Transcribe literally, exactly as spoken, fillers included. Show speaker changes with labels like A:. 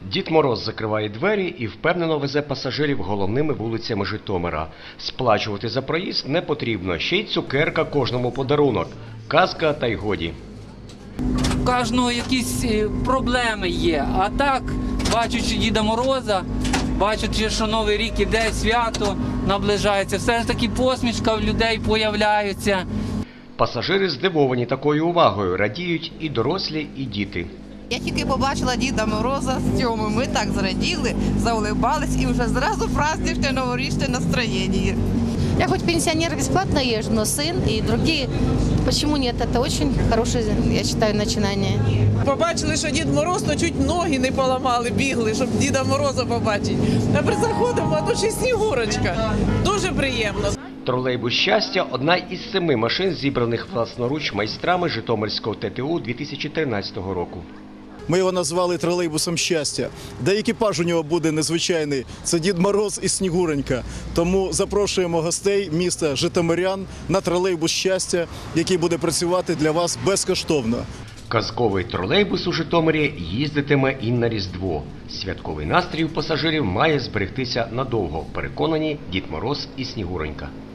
A: Дід Мороз закриває двері і впевнено везе пасажирів головними вулицями Житомира. Сплачувати за проїзд не потрібно, ще й цукерка кожному подарунок. Казка та й годі.
B: У кожного якісь проблеми є, а так, бачачи Діда Мороза, бачачи, що Новий рік іде, свято наближається, все ж таки посмішка в людей появляється.
A: Пасажири здивовані такою увагою, радіють і дорослі, і діти.
C: Я тільки побачила Діда Мороза з Тьомою, ми так зраділи, заулибались і вже зразу праздничне новорічне настроєння.
D: Я хоть пенсионер бесплатно езжу, но сын и другие, почему нет? Это очень хорошее, я считаю, начинание.
E: Побачили, що Дід Мороз, то чуть ноги не поламали, бігли, щоб Діда Мороза побачити. Тепер заходимо, а тут ще Снігурочка. Дуже приємно.
A: Тролейбус «Щастя» – одна із семи машин, зібраних власноруч майстрами Житомирського Те Те У дві тисячі тринадцятого року.
F: Ми його назвали тролейбусом «Щастя». Де екіпаж у нього буде незвичайний – це Дід Мороз і Снігуренька. Тому запрошуємо гостей міста Житомирян на тролейбус «Щастя», який буде працювати для вас безкоштовно.
A: Казковий тролейбус у Житомирі їздитиме і на Різдво. Святковий настрій у пасажирів має зберегтися надовго, переконані Дід Мороз і Снігуренька.